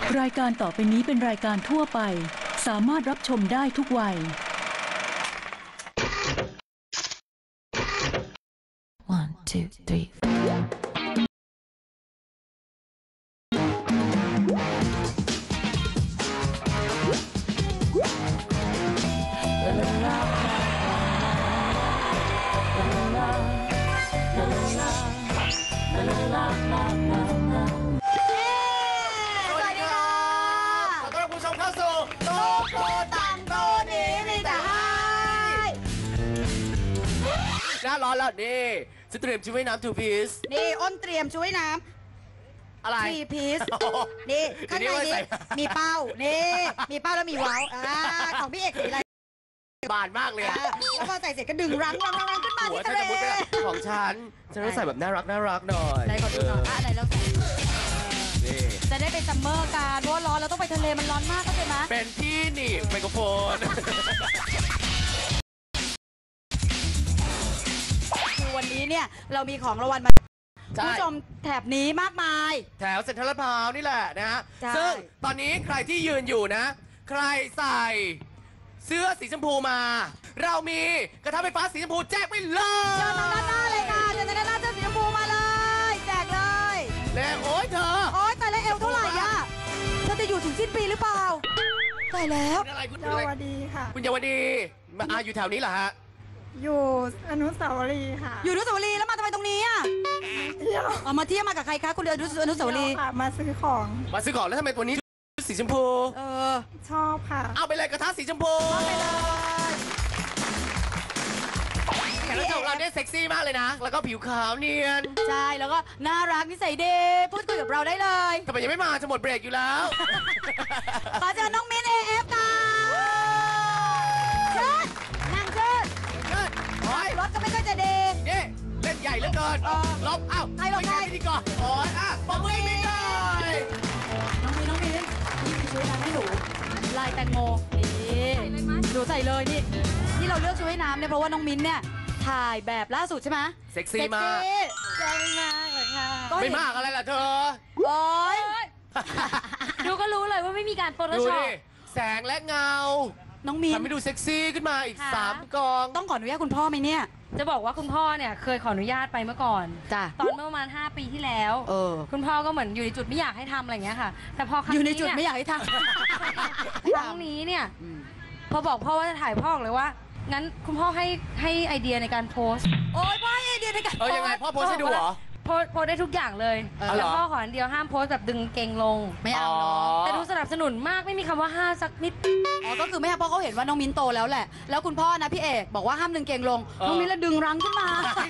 รายการต่อไปนี้เป็นรายการทั่วไปสามารถรับชมได้ทุกวัย One, two, three. หน้าร้อนแล้วนี่จะเตรียมชุดว่ายน้ำ2 piece นี่อ้นเตรียมชุดว่ายน้ำอะไร 3 piece นี่ข้างในนี้มีเป้านี่มีเป้าแล้วมีเว้าของพี่เอกสีอะไรบานมากเลยแล้วพอใส่เสร็จก็ดึงรั้งขึ้นมาที่ทะเลของฉันต้องใส่แบบน่ารักหน่อยไหนขอดูหน่อยไหนแล้วจะได้ไปซัมเมอร์กันเพราะร้อนเราต้องไปทะเลมันร้อนมากเข้าใจไหมเป็นที่หนีบไมโครโฟนวันนี้เนี่ยเรามีของรางวัลมาผู้ชมแถบนี้มากมายแถวเซ็นทรัลลาดพร้าวนี่แหละนะฮะซึ่งตอนนี้ใครที่ยืนอยู่นะใครใส่เสื้อสีชมพูมาเรามีกระทะไฟฟ้าสีชมพูแจกไปเลยเชิญทางด้านหน้าเลยค่ะเชิญทางด้านหน้าเสื้อสีชมพูมาเลยแจกเลยแล้วโอ๊ยเธอโอ๊ยตายแล้วเอวเท่าไหร่อะเธอจะอยู่ถึงสิ้นปีหรือเปล่าตายแล้วคุณเยาวดีค่ะคุณเยาวดีมาอยู่แถวนี้เหรอฮะอยู่อนุสาวรีย์ค่ะอยู่อนุสาวรีย์แล้วมาทำไมตรงนี้อ่ะเที่ยวมาเที่ยวมากับใครคะคุณอนุสาวรีย์มาซื้อของแล้วทำไมตัวนี้สีชมพูชอบค่ะเอาไปเลยกระทะสีชมพูเอาไปเลยแขกรับเชิญของเราเนี่ยเซ็กซี่มากเลยนะแล้วก็ผิวขาวเนียนใช่แล้วก็น่ารักนิสัยดีพูดคุยกับเราได้เลยทำไมยังไม่มาจะหมดเบรกอยู่แล้วขอเชิญน้องมิ้น AF ค่ะเชิญนั่งเชิญรถก็ไม่ค่อยจะดีนี่เล่นใหญ่เหลือเกินลบใครลบใครพิธีกรโอ้ยปมมือมิ้นเลยน้องมิ้นช่วยน้ำให้หนูลายแตงโมนี่หนูใส่เลยนี่ที่เราเลือกชุดว่ายน้ำเนี่ยเพราะว่าน้องมิ้นเนี่ยถ่ายแบบล่าสุดใช่ไหมเซ็กซี่มากเซ็กซี่มากเลยค่ะไม่มากอะไรล่ะเธอโอ๊ยดูก็รู้เลยว่าไม่มีการโฟโต้ช็อปแสงและเงาน้องมิ้นทำให้ดูเซ็กซี่ขึ้นมาอีก3 กองต้องขออนุญาตคุณพ่อไหมเนี่ยจะบอกว่าคุณพ่อเนี่ยเคยขออนุญาตไปเมื่อก่อนตอนเมื่อประมาณ5 ปีที่แล้วคุณพ่อก็เหมือนอยู่ในจุดไม่อยากให้ทำอะไรอย่างเงี้ยค่ะแต่พอครั้งนี้อยู่ในจุดไม่อยากให้ทำครั้งนี้เนี่ยพอบอกพ่อว่าจะถ่ายพ่อเลยว่างั้นคุณพ่อให้ไอเดียในการโพสโอ๊ยพ่อให้ไอเดียในการยังไงพ่อโพสให้ดูเหรอโพสได้ทุกอย่างเลยแต่พ่อขออันเดียวห้ามโพสแบบดึงเกงลงไม่เอาเนาะแต่ดูสนับสนุนมากไม่มีคำว่าห้ามสักนิดก็คือไม่ให้พ่อเขาเห็นว่าน้องมิ้นโตแล้วแหละแล้วคุณพ่อนะพี่เอกบอกว่าห้ามดึงเกงลงน้องมิ้นแล้วดึงรั้งขึ้นมา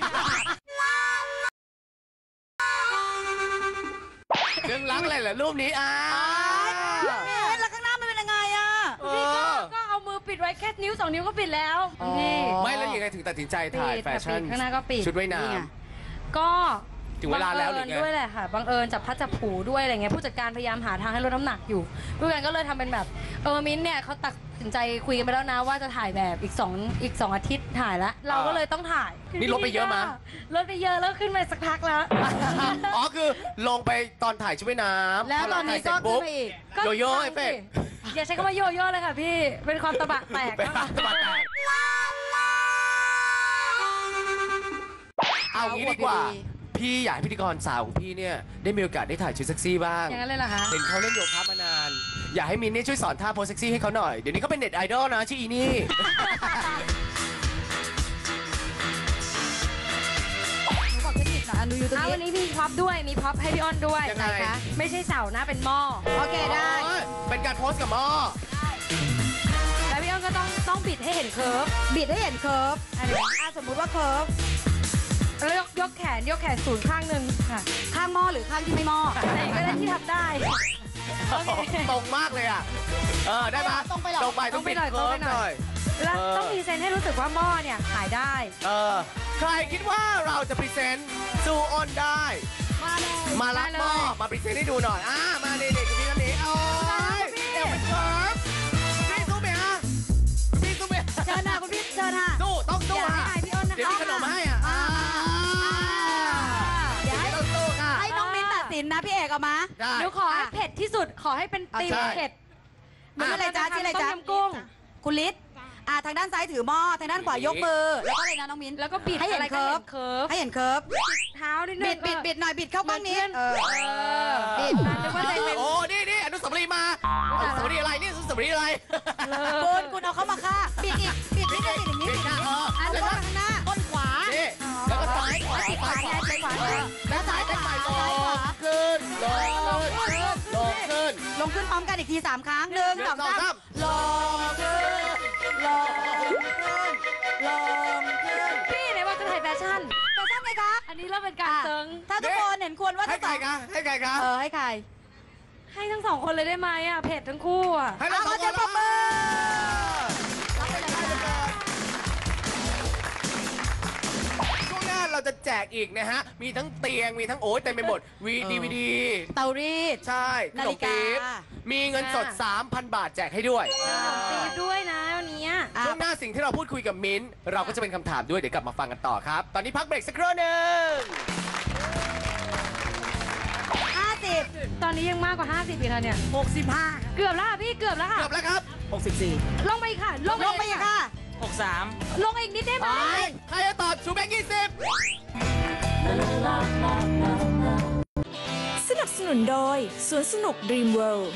ดึงรั้งอะไรเหรอรูปนี้แล้วข้างหน้ามันเป็นยังไงพี่ก็เอามือปิดไว้แค่นิ้ว2 นิ้วก็ปิดแล้วพี่ไม่แล้วยังไงถึงตัดสินใจถ่ายแฟชั่นข้างหน้าก็ปิดชุดว่ายน้ำก็ถึงเวลาแล้วหรือไงด้วยแหละค่ะบังเอิญจับพัดจับผูด้วยอะไรเงี้ยผู้จัดการพยายามหาทางให้ลดน้ำหนักอยู่ผู้จัดการก็เลยทำเป็นแบบมิ้นเนี่ยเขาตัดสินใจคุยกันไปแล้วนะว่าจะถ่ายแบบอีก2 อาทิตย์ถ่ายแล้วเราก็เลยต้องถ่ายนี่ลดไปเยอะมั้ยลดไปเยอะแล้วขึ้นไปสักพักแล้วคือลงไปตอนถ่ายชุดว่ายน้ำแล้วตอนนี้ก็ขึ้นไปอีกโยโย่เอฟเฟกต์อย่าใช้คำว่าโยโย่เลยค่ะพี่เป็นความตะบะแตกเอางี้ดีกว่าพี่อยากให้พิธีกรสาวของพี่เนี่ยได้มีโอกาสได้ถ่ายชุดเซ็กซี่บ้างอย่างนั้นเลยเหรอคะเห็นเขาเล่นโยคะมานานอยากให้มินเนี่ยช่วยสอนท่าโพสเซ็กซี่ให้เขาหน่อยเดี๋ยวนี้เขาเป็นเน็ตไอดอลนะชื่ออีนี่วันนี้มีพ็อปด้วยมีพ็อปให้พี่อ้อนด้วยนะคะไม่ใช่เสานะเป็นหม้อโอเคได้เป็นการโพสกับหม้อแล้วพี่อ้อนก็ต้องบิดให้เห็นเคิร์ฟบิดให้เห็นเคิร์ฟสมมุติว่าเคิร์ฟแล้วยกแขนศูนย์ข้างหนึ่งค่ะข้างหม้อหรือข้างที่ไม่หม้อไหนก็ได้ที่ทำได้ตรงมากเลยได้ปะตรงไปหรอต้องไปหน่อยแล้วต้องพรีเซนต์ให้รู้สึกว่าหม้อเนี่ยขายได้ใครคิดว่าเราจะพรีเซนต์ซูออนได้มารับหม้อมาพรีเซนต์ให้ดูหน่อยมาเด็กๆคุณพี่ท่านนี้โอ้ยเอวเป็นเคิร์ฟพี่สู้ไหมฮะพี่สู้ไหมเชิญนะคุณพี่เชิญค่ะสู้ต้องสู้ฮะเดี๋ยวมีขนมให้เดี๋ยวให้น้องมิ้นตัดสินนะพี่เอกเอามาได้หนูขอให้เผ็ดที่สุดขอให้เป็นตีมใช่เผ็ดมันชื่ออะไรจ๊ะชื่ออะไรจ๊ะต้มยำกุ้งคุณลิศทางด้านซ้ายถือหม้อทางด้านขวายกมือแล้วก็อะไรนะน้องมิ้นแล้วก็บิดให้เห็นอะไรก็เคิร์ฟเคิร์ฟให้เห็นเคิร์ฟเท้านิดนึงบิดหน่อยบิดเข้ากล้องนี้บิดนึกว่าจะเป็นโอ้นี่อนุสาวรีย์มาอนุสาวรีย์อะไรนี่อนุสาวรีย์อะไรคุณเอาเข้ามาค่ะบิดอีกบิดนิดนึงบิดอย่างนี้บิดค่ะอันแล้วต้ก็นข้างหน้าต้นขวานี่แล้วก็ซ้ายขวาซ้ายขวาซ้ายขวาแล้วซ้ายเต้นใหม่ลงขึ้นลงขึ้นลงขึ้นพร้อมกันอีกที3 ครั้ง1 หนึ่ง 2 สองสาม 3ลงขึ้นลงขึ้นลงขึ้นพี่ไหนว่าจะถ่ายแฟชั่นแต่ทราบไหมคะอันนี้เริ่มเป็นการเซิงถ้าทุกคนเห็นควรว่าให้จะใครคะให้ใครคะให้ใครให้ทั้งสองคนเลยได้ไหมอ่ะเผ็ดทั้งคู่อ่ะให้เราสองคนปรบมือช่วงหน้าเราจะแจกอีกนะฮะ มีทั้งเตียง มีทั้งโอ้ยเต็มไปหมดดีวีดีเตารีดใช่ขนานมฬิกาปี๊บมีเงินสด 3,000 บาทแจกให้ด้วยขนมปี๊บด้วยนะวันนี้ช่วงหน้าสิ่งที่เราพูดคุยกับมิ้นท์เราก็จะเป็นคำถามด้วย เดี๋ยวกลับมาฟังกันต่อครับ ตอนนี้พักเบรกสักครู่หนึ่ง 50 ตอนนี้ยังมากกว่า 50อีกแล้วเนี่ย 65 เกือบแล้วค่ะพี่เกือบแล้วค่ะเกือบแล้วครับลงไปอีกค่ะลงไปอีกค่ะลงอีกนิดได้ไหมใครจะตอบชูแบงค์20 สนับสนุนโดยสวนสนุก Dream World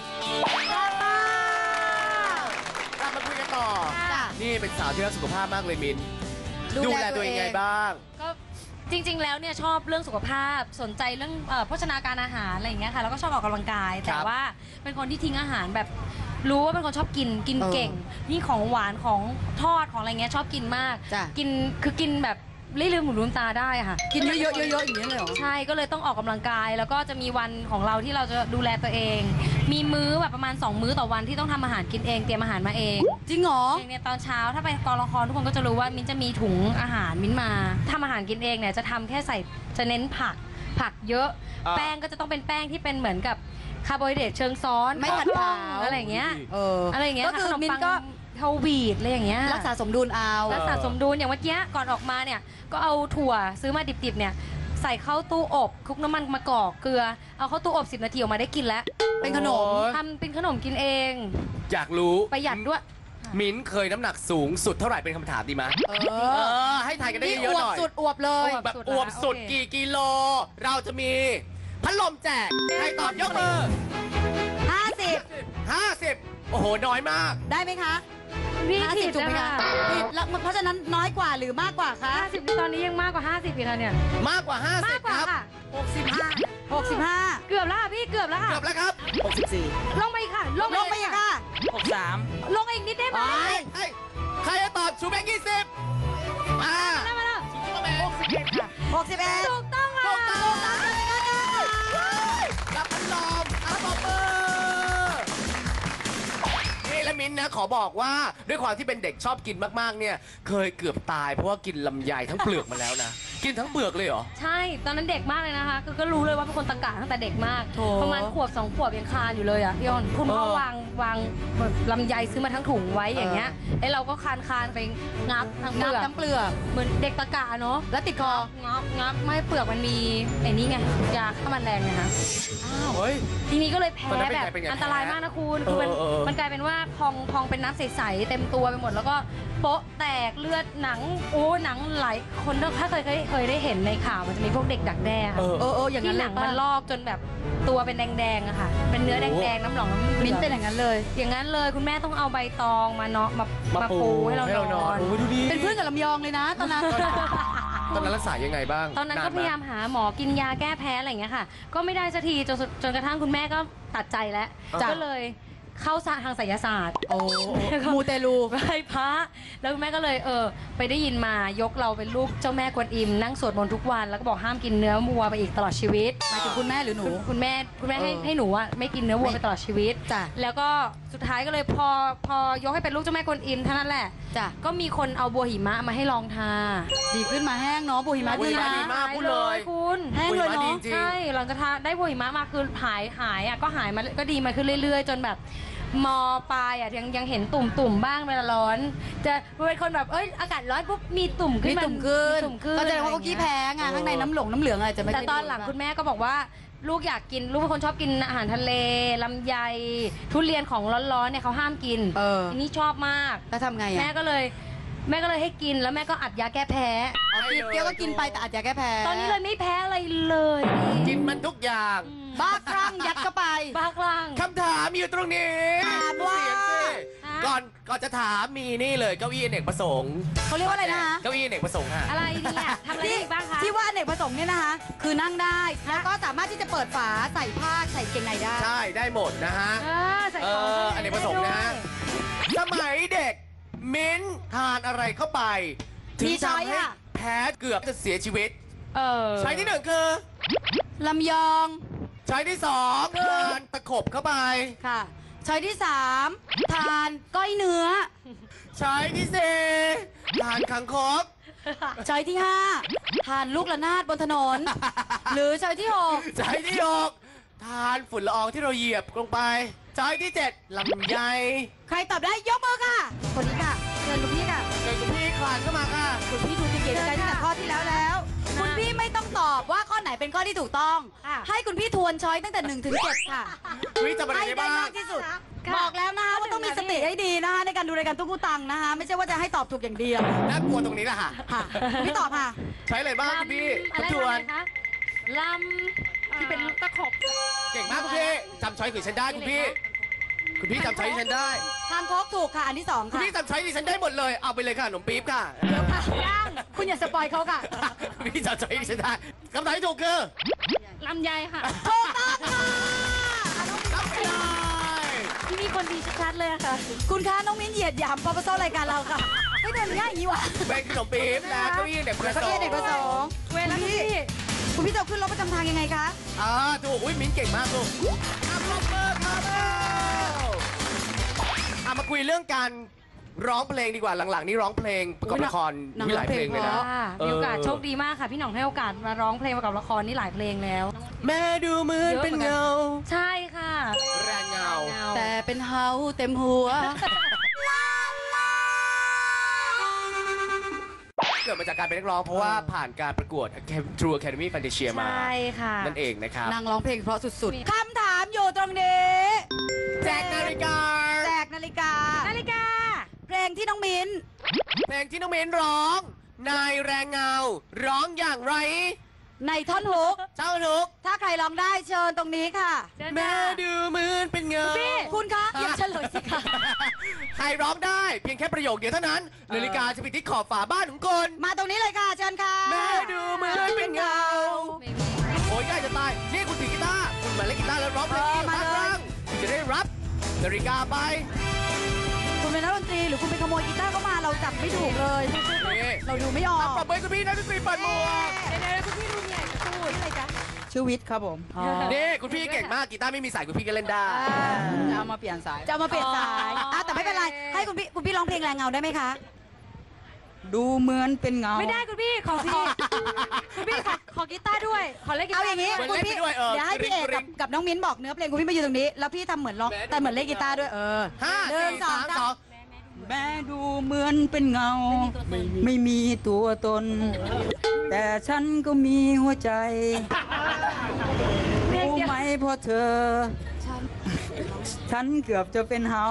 กลับมาคุยกันต่อจ้ะนี่เป็นสาวที่รักสุขภาพมากเลยมิ้นท์ดูแลตัวเองไงบ้างก็จริงๆ แล้วเนี่ยชอบเรื่องสุขภาพสนใจเรื่องโภชนาการอาหารอะไรอย่างเงี้ยค่ะแล้วก็ชอบออกกำลังกาย แต่ว่าเป็นคนที่ทิ้งอาหารแบบรู้ว่าเป็นคนชอบกินเก่งนี่ของหวานของทอดของอะไรเงี้ยชอบกินมากจ้ะกินคือกินแบบไม่ลืมหูลืมตาได้อะค่ะกินเยอะๆๆๆอย่างนี้เลยเหรอใช่ก็เลยต้องออกกำลังกาย แล้วก็จะมีวันของเราที่เราจะดูแลตัวเอง มีมื้อแบบประมาณ 2 มื้อต่อวันที่ต้องทำอาหารกินเองเตรียมอาหารมาเองจริงเหรออย่างเนี่ยตอนเช้าถ้าไปกองละครทุกคนก็จะรู้ว่ามิ้นจะมีถุงอาหารมิ้นมาทำอาหารกินเองเนี่ยจะทำแค่ใส่จะเน้นผักเยอะอ่าแป้งก็จะต้องเป็นแป้งที่เป็นเหมือนกับคาร์โบไฮเดรตเชิงซ้อนไม่ผัดข้วขาวอะไรอย่างเงี้ย อะไรอย่างเงี้ยก็คือขนมิ้นปังก็เฮาวีดอะไรอย่างเงี้ยรักษาสมดุลเอารักษาสมดุลอย่างเมื่อกี้ก่อนออกมาเนี่ยก็เอาถั่วซื้อมาดิบๆเนี่ยใส่เข้าตู้อบคลุกน้ำมันมะกอกเกลือเอาเข้าตู้อบ10 นาทีออกมาได้กินแล้วเป็นขนมโอ้ยทำเป็นขนมกินเองอยากรู้ประหยัดด้วยมิ้นท์เคยน้ำหนักสูงสุดเท่าไหร่เป็นคำถามดีไหมให้ถ่ายกันได้นี่เยออะวๆหบน่อยสุดอวบเลยแบบอวบสุดโอเคกี่กิโล เราจะมีพัดลมแจก ใครตอบยกมือ 50 50 โอ้โห น้อยมากได้ไหมคะพี่ผิดถูกไหมนะคะผิดแล้วเพราะฉะนั้นน้อยกว่าหรือมากกว่าคะ 50นี่ตอนนี้ยังมากกว่า 50อีกแล้วเนี่ยมากกว่ามาก 50 กว่าครับค่ะ 65 เกือบแล้วค่ะพี่เกือบแล้วค่ะเกือบแล้วครับลงไปอีกค่ะลงไปอีกค่ะลงอีกนิดได้ไหมให้ใครจะตอบชูแบงค์20 มาได้ไหมล่ะชูแบงค์61 ค่ะ 61 ถูกต้องค่ะรับพัดลมปรบมือนี่และมิ้นท์นะ ขอบอกว่าด้วยความที่เป็นเด็กชอบกินมากๆ เนี่ย เคยเกือบตายเพราะว่ากินลำไยทั้งเปลือกมาแล้วนะ กินทั้งเปลือกเลยเหรอใช่ ตอนนั้นเด็กมากเลยนะคะคือก็รู้เลยว่าเป็นคนตะกะตั้งแต่เด็กมากโถประมาณขวบ2 ขวบยังคลานอยู่เลยอ่ะพี่อ้นคุณพ่อเออวางแบบลำไยซื้อมาทั้งถุงไว้อย่างเงี้ยแล้วเราก็คานไปงับทั้งเปงัลืบอกน้ำเปลือกเหมือนเด็กตะกะเนาะแล้วติดคองับไม่เปลือกมันมีไอ้นี่ไงยาฆ่าแมลงไงคะเฮ้ยทีนี้ก็เลยแพ้ตอนนั้นแบบเป็นไงอันตรายมากนะคุณคือมันเออมันกลายเป็นว่าพองเป็นน้ำใสๆเต็มตัวไปหมดแล้วก็โป๊ะแตกเลือดหนังหนังไหลคนถ้าเคยได้เห็นในข่าวมันจะมีพวกเด็กดักแด้ค่ะอย่างที่นั้นหเลนัยงป่ะมันลอกจนแบบตัวเป็นแดงๆอะค่ะ เป็นเนื้อแดงๆน้ำหลองน้ำเหลืองมิ้นเป็นอย่างนั้นเลยอย่างนั้นเลยคุณแม่ต้องเอาใบตองมาเนาะมาปูให้เรานอนโอ้ยดูดิเป็นเพื่อนกับลำยองเลยนะตอนนั้นตอนนั้นรักษายังไงบ้างตอนนั้นก็ไหพยายามหาหมอกินยาแก้แพ้อะไรอย่างเงี้ยค่ะ ก็ไม่ได้สักทีจนกระทั่งคุณแม่ก็ตัดใจแล้วจ้ะก็เลยเข้าทางไสยศาสตร์โอ้มูเตลูไหว้พระแล้วคุณแม่ก็เลยไปได้ยินมายกเราเป็นลูกเจ้าแม่กวนอิมนั่งสวดมนต์ทุกวันแล้วก็บอกห้ามกินเนื้อวัวไปอีกตลอดชีวิตหมายถึงคุณแม่หรือหนูคุณแม่ให้หนูอะไม่กินเนื้อวัวไปตลอดชีวิตจ้ะแล้วก็สุดท้ายก็เลยพอยกให้เป็นลูกเจ้าแม่กวนอิมเท่านั้นแหละจ้ะก็มีคนเอาบัวหิมะมาให้ลองทาดีขึ้นมาแห้งเนาะบุหิมะบุดีหิมะนะดีมากพูดเลยคุณแห้งเลยดีเนาะจริงใช่หลังจากทาได้บัวหิมะมาคือหายอ่ะก็หายมาก็ดีมาขึ้นเรื่อยๆ จนแบบมปลายอ่ะยังเห็นตุ่มบ้างเวลาร้อน จะเป็นคนแบบอากาศร้อนปุ๊บมีตุ่มขึ้มีนมาตุ่มขึ้นมีตุ่มขึ้นก็แสดงว่าเขาขี้แพ้ไงข้างในน้ำเหลืองอะไรจะไม่แต่ค่ยตอนหลังดีคุณแม่ก็บอกว่าลูกอยากกินลูกเป็นคนชอบกินอาหารทะเลลำไยทุเรียนของร้อนๆเนี่ยเขาห้ามกิน ทีนี้ชอบมากแล้วทำไงอ่ะแม่ก็เลยให้กินแล้วแม่ก็อัดยาแก้แพ้กินเปรี้ยวก็กินไปแต่อาจจะแก้แพ้ตอนนี้เลยไม่แพ้อะไรเลยกินมันทุกอย่างบ้าคลั่งยัดเข้าไปบ้าคลั่งคำถามอยู่ตรงนี้ถามว่าเสียงสิฮะก่อนจะถามมีนี่เลยเก้าอี้อเนกประสงค์เขาเรียกว่าอะไรนะคะเก้าอี้อเนกประสงค์ฮะอะไรเนี่ยทำอะไรอีกบ้างคะที่ว่าอเนกประสงค์เนี่ยนะคะ คือนั่งได้แล้วก็สามารถที่จะเปิดฝาใส่ผ้าใส่เกงในได้ใช่ได้หมดนะฮะใส่ของข้างใอเนกประสงค์นะฮะ สมัยเด็กมิ้นทานอะไรเข้าไป ถึงมีช้อยทำให้อะแพ้เกือบจะเสียชีวิต ใช้ที่หนึ่งคือลำยองใช้ที่สองทานตะขบเข้าไปค่ะช้อยที่3ทานก้อยเนื้อใช้ที่สี่ทานคังคกช้อยที่5ทานลูกระนาดบนถนน หรือช้อยที่6 ใช้ที่หกทานฝุ่นละอองที่เราเหยียบลงไป ใช้ที่เจ็ดลำไยใครตอบได้ยกมือค่ะ คนนี้ค่ะเชิญคุณพี่ค่ะเกิดคุณพี่คลานเข้ามาค่ะคุณพี่ดูเก่งๆใจตั้งแต่ข้อที่แล้ว คุณพี่ไม่ต้องตอบว่าข้อไหนเป็นข้อที่ถูกต้องค่ะให้คุณพี่ทวนช้อยตั้งแต่1 ถึง 7ค่ะคุณพี่จำอะไรให้ได้ได้บ้างมากที่สุดค่ะบอกแล้วนะคะว่าต้องมีสติให้ดีนะคะในการดูรายการตุ๊กตังนะคะ ไม่ใช่ว่าจะให้ตอบถูกอย่างเดียวน่ากลัวตรงนี้แหละค่ะค่ะไม่ตอบค่ะใช้อะไรบ้างคุณพี่อะไรทวนคะลำที่เป็นตะขบเก่งมากคุณพี่จำช้อยของฉันได้คุณพี่ คุณพี่จำช้อยที่ฉันได้ทางโคกถูกค่ะ อันที่ 2 คุณค่ะพี่จำช้อยที่ฉันได้หมดเลย เอาไปเลยค่ะขนมปี๊บค่ะเดี๋ยวค่ะย่างคุณอย่าสปอยเขาค่ะคุณพี่จำช้อยที่ฉันได้คำถามที่ถูกคือลำไยค่ะถูกต้องค่ะรับไปเลยที่นี่คนดีชัดๆเลยอะค่ะคุณคะน้องมิ้นเหยียดหยามปปสรายการเราค่ะไม่เดินง่ายอย่างนี้วะเป็นขนมปี๊บและเก้าอี้เด็กประสเก้าอี้งค์เด็กประสงค์เวลาพี่คุณพี่จะขึ้นรถประจำทางยังไงคะถูกอุ้ยมิ้นเก่งมากลูกอ่ะปรบมือครับมาคุยเรื่องการร้องเพลงดีกว่าหลังๆ นี่ร้องเพลงประกอบละครหนังมีหลายเพลงเลยนะค่ะมีโอกาสโชคดีมากค่ะ พี่หน่องให้โอกาสมาร้องเพลงประกอบละครนี่หลายเพลงแล้วแม่ดูเหมือนเป็นเงาใช่ค่ะแรงเงาแต่เป็นเฮาเต็มหัวเกิดมาจากการเป็นนักร้องเพราะว่าผ่านการประกวด True Academy Fantasia มาใช่ค่ะนั่นเองนะครับนางร้องเพลงเพราะสุดๆ คำถามอยู่ตรงนี้แจกนาฬิกาแจกนาฬิกานาฬิกาเพลงที่น้องมิ้นเพลงที่น้องเมนร้อง นายแรงเงา ร้องอย่างไรในท่อนฮุกเจ้าทุกถ้าใครร้องได้เชิญตรงนี้ค่ะเชิญแม่ค่ะดูเหมือนเป็นเงาคุณคะอย่าเฉลยสิคะใครร้องได้เพียงแค่ประโยคเดียวเท่านั้น นาฬิกาจะไปที่ขอบฝาบ้านของคุณมาตรงนี้เลยค่ะ เชิญค่ะแม่ดูเหมือนเป็นเงา โอ้ยใกล้จะตาย นี่คุณถือกีตาร์คุณมาเล่นกีตาร์แล้วร้องเพลงนี้มามาเลยครั้งคุณจะได้รับนาฬิกาไปคุณเป็นนักดนตรีหรือคุณไปขโมยกีตาร์เข้ามาเราจับไม่ถูกเลยนี่เราดูไม่ออกปรบมือคุณพี่นักดนตรีเปิดหมวกเดี๋ยวๆคุณพี่ดูเนี่ยจะพูดอะไรจ๊ะชื่อวิทย์ครับผมนี่คุณพี่เก่งมากกีตาร์ไม่มีสายคุณพี่ก็เล่นได้จะเอามาเปลี่ยนสายจะเอามาเปลี่ยนสายแต่ไม่เป็นไร ให้คุณพี่ร้องเพลงแรงเงาได้ไหมคะ ดูเหมือนเป็นเงาไม่ได้คุณพี่ขอพี่คุณพี่ขอกีตาร์ด้วย ขอเล่นกีตาเอาร์อย่างนี้เหมือนคุณเล่นพี่ไปด้วยเออเดี๋ยวให้พี่เอกกริ๊กับงกับน้องมิ้นบอกเนื้อเพลงคุณพี่มาอยู่ตรงนี้ แล้วพี่ทำเหมือนร้องแต่เหมือนเล่นกีตาร์ด้วยห้าหนึ่งสี่สองสามสามสองแม่ดูเหมือนเป็นเงา ไม่มีตัวตน แต่ฉันก็มีหัวใจ รู้ไหมเพราะเธอ ฉันเกือบจะเป็นเฮา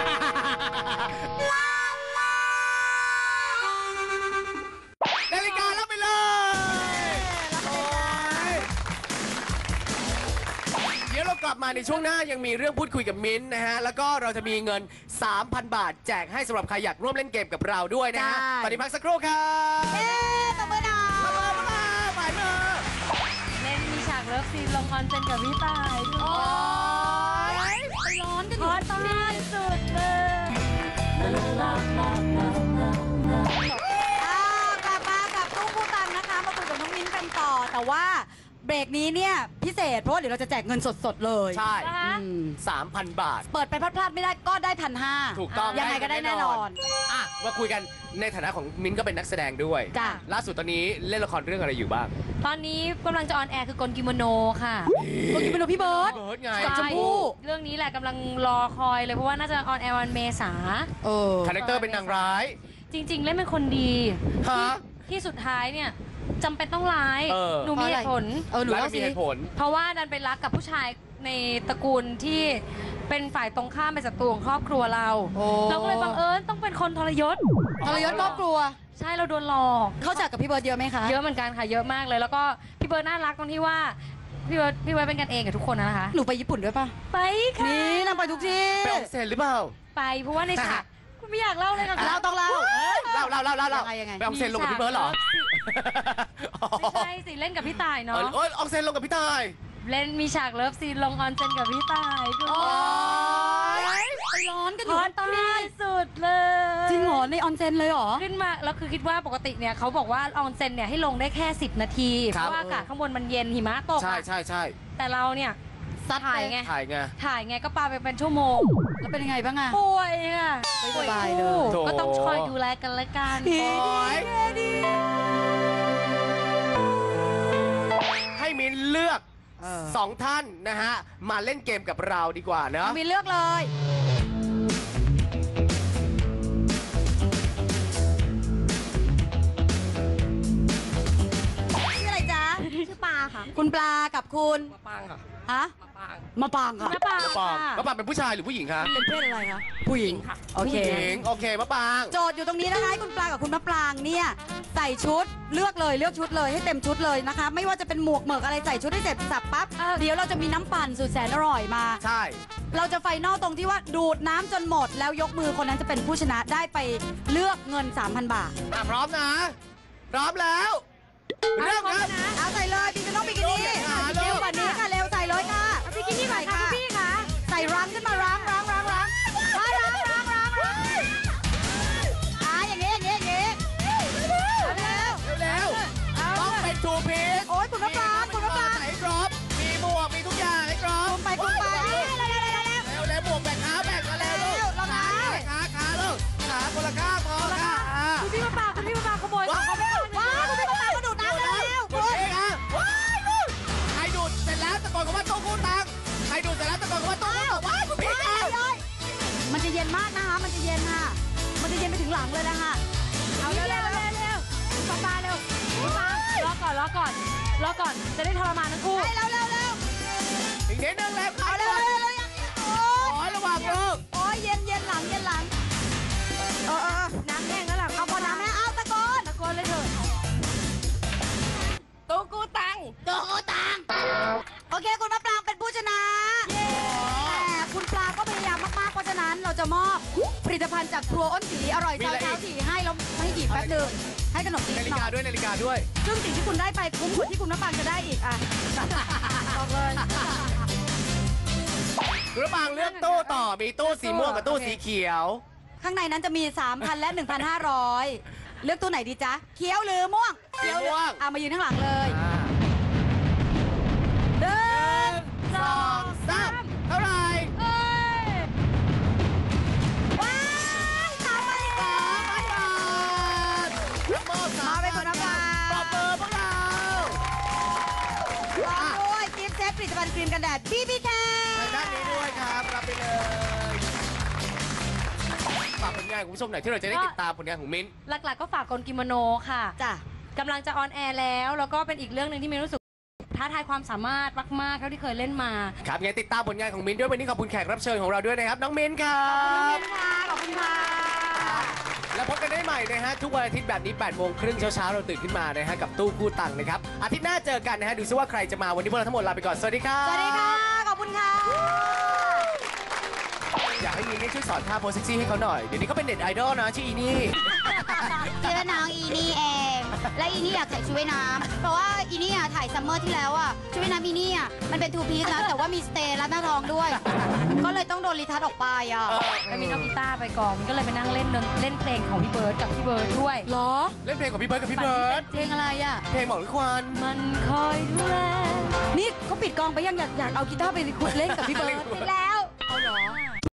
นาฬิการับไปเลยโอ้ยเดี๋ยวเรากลับมาในช่วงหน้ายังมีเรื่องพูดคุยกับมิ้นท์นะฮะ แล้วก็เราจะมีเงิน 3,000 บาท แจกให้สำหรับใครอยากร่วมเล่นเกมกับเราด้วยนะฮะ ตอนนี้พักสักครู่ครับตบมือหน่อยมาหมายมือเล่นมีฉากเลิฟซีนลงคอนเซนกับพี่ตายด้วยโอ้ยไปร้อนกันอขยู่อตายสุดเลยกลับมากับตุ้งผู้ตังนะคะ มาคุยกับน้องมิ้นกันต่อ แต่ว่าเบรกนี้เนี่ยพิเศษเพราะว่าเดี๋ยวเราจะแจกเงินสดๆเลยใช่นะคะ 3,000 บาทเปิดไปพลาดๆไม่ได้ก็ได้1,500 ถูกต้องยังไงก็ได้แน่นอนอ่ะมาคุยกันในฐานะของมิ้นท์ก็เป็นนักแสดงด้วยจ้ะล่าสุดตอนนี้เล่นละครเรื่องอะไรอยู่บ้างตอนนี้กำลังจะออนแอร์คือกลกิโมโนค่ะคนกินเป็นพี่เบิร์ดเบิร์ดไงกับชมพู่เรื่องนี้แหละกำลังรอคอยเลยเพราะว่าน่าจะออนแอร์วันเมษาคาแรคเตอร์เป็นนางร้ายจริง ๆ เล่นเป็นคนดีฮะที่สุดท้ายเนี่ยจำเป็นต้องร้ายเออหนูมีเหตุผลหนูแล้วเล่ามีสิเหตุผลเพราะว่าดันไปรักกับผู้ชายในตระกูลที่เป็นฝ่ายตรงข้ามเป็นศัตรูของครอบครัวเราโอ้เราก็เลยบังเอิญต้องเป็นคนทรยศทรยศครอบครัวใช่เราโดนหลอกเข้าจักกับพี่เบิร์ดเยอะไหมคะเยอะเหมือนกันค่ะเยอะมากเลย แล้วก็พี่เบิร์ดน่ารักตรงที่ว่าพี่เบิร์ดเป็นกันเองกับทุกคนนะคะหนูไปญี่ปุ่นด้วยปะไปค่ะนี่นางไปทุกที่ไปออกเซนหรือเปล่าไปเพราะว่าในฉากคุณไม่อยากเล่าเลยค่ะเราต้องเล่าเล่ายังไงไปออกเซนลงกับพี่เบิร์ดเหรอไม่ใช่สิเล่นกับพี่ต่ายเนาะเออออกเซนลงกับพี่ตายเล่นมีฉากเลิฟซีนลงออนเซนกับพี่ต่ายคุณโอ๊ยไปร้อนกันฮอยู่อตใต้ที่สุดเลยจริงเหรอในออนเซ็นเลยเหรอขึ้นมาแล้วคือคิดว่าปกติเนี่ยเขาบอกว่าออนเซนเนี่ยให้ลงได้แค่10 นาที เพราะว่าอากาศข้างบนมันเย็นหิมะตกใช่อะใช่ใช่แต่เราเนี่ยซัดถ่ายไงถ่ายไงถ่ายไงก็ปาไปเป็นชั่วโมงแล้วเป็นยังไงบ้างอะป่วยอ่ะไม่สบายเลยป่วโถคู่ก็ต้องคอยดูแลกันละกันโอ๊ยให้มิ้นเลือก 2 ท่านนะฮะ มาเล่นเกมกับเราดีกว่าเนอะมีเลือกเลย ชื่ออะไรจ๊ะชื่อปลาค่ะคุณปลากับคุณปางค่ะฮะมาปางค่ะมะปางมะปางค่ะมะปางเป็นผู้ชายหรือผู้หญิงคะเป็นเพศอะไรคะผู้หญิงค่ะโอเคผู้หญิงโอเคมะปางโจทย์อยู่ตรงนี้นะคะให้คุณปลากับคุณมะปรางเนี่ยใส่ชุดเลือกชุดเลยให้เต็มชุดเลยนะคะ ไม่ว่าจะเป็นหมวกเหมือกอะไรใส่ชุดให้เสร็จสับปั๊บเดี๋ยวเราจะมีน้ำปั่นสุดแสนอร่อยมาใช่เราจะไฟนอลตรงที่ว่าดูดน้ำจนหมด แล้วยกมือคนนั้นจะเป็นผู้ชนะได้ไปเลือกเงิน 3,000 บาทพร้อมนะ พร้อมแล้วเริ่มครับเอาใส่เลยบิกินี่บิกินี่เร็วเร็วกว่านี้ค่ะเร็วใส่เลยค่ะบิกินี่ใส่ค่ะพี่ค่ะใส่รังขึ้นมารังอย่างนี้เร็วเร็วต้องเป็นทูพีซโอ๊ยคุณมะปรางคุณมะปรางใส่ให้ครบ มีหมวก มีทุกอย่างให้ครบไปคุณไปเร็วหมวกแบ่งขาแบ่งกันเร็วลูกเรานะขาลูกขาคนละข้างพอค่ะคุณพี่มะปางขโมยว้าวเขาไม่ได้ว้าวคุณพี่มะปรางก็ดูดน้ำแล้วดูดเองอ่ะใครดูดเสร็จแล้วตะโกนคำว่าโต๊ะคู่ตังใครดูดเสร็จแล้วตะโกนคำว่าโต๊ะคู่ตังว้ายคุณพี่ค่ะมันจะเย็นมากนะคะมันจะเย็นค่ะมันจะเย็นไปถึงหลังเลยนะคะเอาเร็วปะปาเร็วปะปารอก่อนจะได้ทรมานทั้งคู่เร็วอีกนิดนึงแล้วใครเอาเร็ก่วอนโอ๊ยขอระหว่างลูกโอ๊ยเย็นหลังน้ำแห้งแล้วหลังเอาพอน้ำแม่เอาตะโกนตะโกนเลยเถอะตู้กูตังโอเคคุณมะปรางเป็นผู้ชนะแต่คุณปลาก็พยายามมากๆเพราะฉะนั้นเราจะมอบผลิตภัณฑ์จากครัวอ้นสีอร่อยเช้าสีให้แล้วให้หยิบแป๊บนึงให้ขนมจีนนาฬิหน่กาอยด้วยนาฬิกาด้วยซึ่งสิ่งที่คุณได้ไปคุ้มกว่าที่คุณมะปรางจะได้อีกอ่ะบอกเลยคุณระบางเลือกตู้ต่อ มีตู้สีม่วงกับตู้สีเขียวข้างในนั้นจะมี 3,000 และ 1,500 เลือกตู้ไหนดีจ๊ะ เขียวหรือม่วงเขียวม่วงมายืนข้างหลังเลยเดินสองสามเท่าไหร่ว้ายตามมาอีก 3,000 บาทรับมอบมาไปคนละบาปรบมือพวกเราพร้อมด้วยกิฟต์เซตผลิตภัณฑ์ครีมกันแดด BBK ทางด้านนี้ด้วยครับ รับไปเลยฝากผลงานของคุณผู้ชมหน่อยที่เราจะได้ติดตามผลงานของมิ้นหลักๆก็ฝากกลกิโมโนค่ะจ้ะกำลังจะออนแอร์แล้วก็เป็นอีกเรื่องหนึ่งที่มิ้นรู้สึกท้าทายความสามารถมากๆเท่าที่เคยเล่นมาครับงั้นติดตามผลงานของมิ้นด้วยวันนี้ขอบคุณแขกรับเชิญของเราด้วยนะครับ น้องมิ้นครับขอบคุณค่ะแล้วพบกันได้ใหม่นะฮะทุกวันอาทิตย์แบบนี้8 โมงครึ่งเช้าๆเราตื่นขึ้นมานะฮะกับตู้กู้ตังค์นะครับอาทิตย์หน้าเจอกันนะฮะดูซิว่าใครจะมาวันนี้พวกเราทั้งหมดลาไปก่อนสวัสดีครับสวัสดีค่ะ ขอบคุณค่ะอยากให้มิ้นช่วยสอนท่าโพสเซ็กซี่ให้เขาหน่อยเดี๋ยวนี้เขาเป็นเน็ตไอดอลนะชื่ออีนี่ชื่อน้องอีนี่เอง และอีนี่อยากใส่ชุดว่ายน้ำเพราะว่าอีนี่ถ่ายซัมเมอร์ที่แล้วอ่ะชุดว่ายน้ำอีนี่มันเป็นทูพีซแล้วแต่ว่ามีสเตย์และหน้าท้องด้วย ก็เลยต้องโดนรีทัชออกไปอ่ะแล้วมิ้นเอากีตาร์ไปกองมิ้นก็เลยไปนั่งเล่นเพลงของพี่เบิร์ดกับพี่เบิร์ดด้วยเหรอเล่นเพลงของพี่เบิร์ดกับพี่เบิร์ดเพลงอะไรอ่ะเพลงหมอกหรือควันมันคอยดูแลนี่เขาปิดกองไปยังอยากเอากีตาร์ไปคุยเล่นกับพี่เบิร์ดปิดแล้ว